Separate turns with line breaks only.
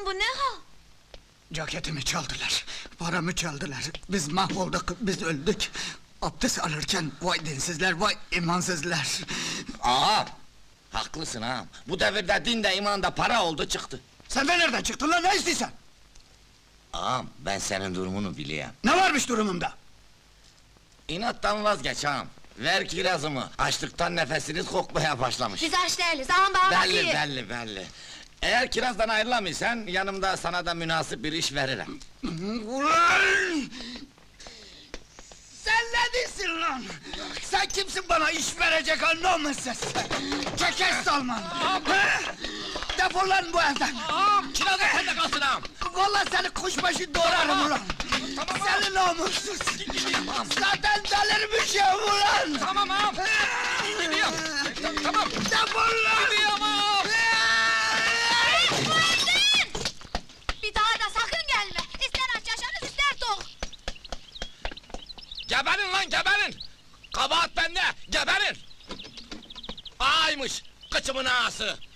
bu ne hal?
Ceketimi çaldılar, paramı çaldılar. Biz mahvolduk, biz öldük. Abdest alırken vay dinsizler, vay imansızlar.
Ağam! Haklısın ağam. Bu devirde din de iman da para oldu çıktı.
Sen de nereden çıktın lan, ne istiyorsun?
Ağam, ben senin durumunu biliyorum.
Ne varmış durumumda?
İnattan vazgeç ağam. Ver kirazımı. Açlıktan nefesiniz kokmaya başlamış.
Biz aç değiliz, ağam bana
Belli,
bakıyor.
belli. Eğer kirazdan ayrılamıyorsan, yanımda sana da münasip bir iş veririm.
Ulan! Sen ne diyorsun lan? Sen kimsin bana iş verecek ha, namussuz? Çekes Salman! Ha? Defol lan bu evden!
Ağam, kiraz da sende kalsın ağam!
Vallahi seni kuşbaşı doğrarım ulan! Seni namussuz! Zaten delirmişim ulan!
Tamam ağam! Gidiyorum! Tamam!
Defol lan!
Gidiyorum ağam!
Bir daha da sakın gelme! İster aç yaşarız, ister tok!
Geberin lan, geberin! Kabahat bende, geberin! Ağaymış, kıçımın ağası!